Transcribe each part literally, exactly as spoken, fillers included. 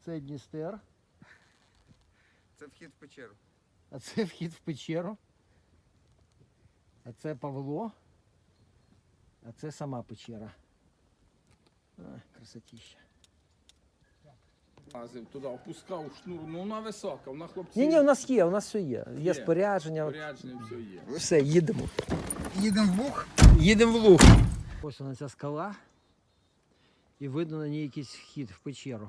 Це Дністер, Це вхід в печеру. а це вхід в печеру. А це Павло, а це сама печера. А, красотища. Лазив туди, опускав шнур, ну вона висока, вона хлопці. Ні, ні, у нас є, у нас все є. Є Є. спорядження. Порядження, все є. Все, їдемо. Їдемо в Буг. Їдемо в луг. Ось вона ця скала. І видно на ній якийсь вхід в печеру.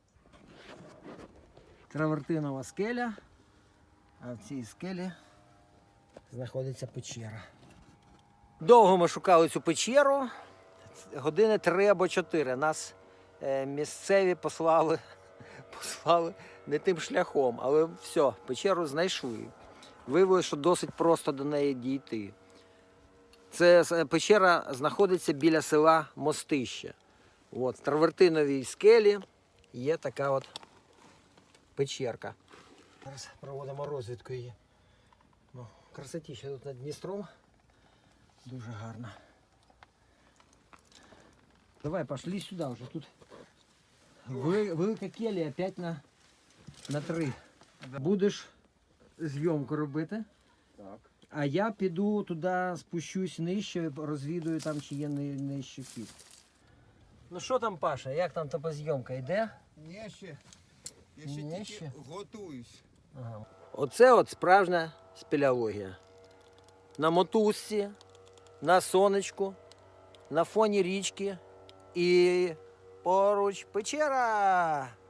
Травертинова скеля, а в цій скелі знаходиться печера. Довго ми шукали цю печеру, години три або чотири. Нас е, місцеві послали, послали не тим шляхом, але все, печеру знайшли. Виявилося, що досить просто до неї дійти. Це е, печера знаходиться біля села Мостище. От, в травертиновій скелі є така от печерка. Зараз проводимо розвідку її. Ну, красотіще тут над Дністром. Дуже гарно. Давай, пошли сюди вже. Тут вели- велика келія п'ять на, на три. Будеш зйомку робити, Так. а я піду туди, спущусь нижче, розвідую там, чи є ни- нижче хід. Ну що там, Паша, як там топозйомка йде? Ні, ще. Я ще Ні, тільки ще. готуюсь. Ага. Оце от справжня спелеологія. На мотузці, на сонечку, на фоні річки і поруч печера.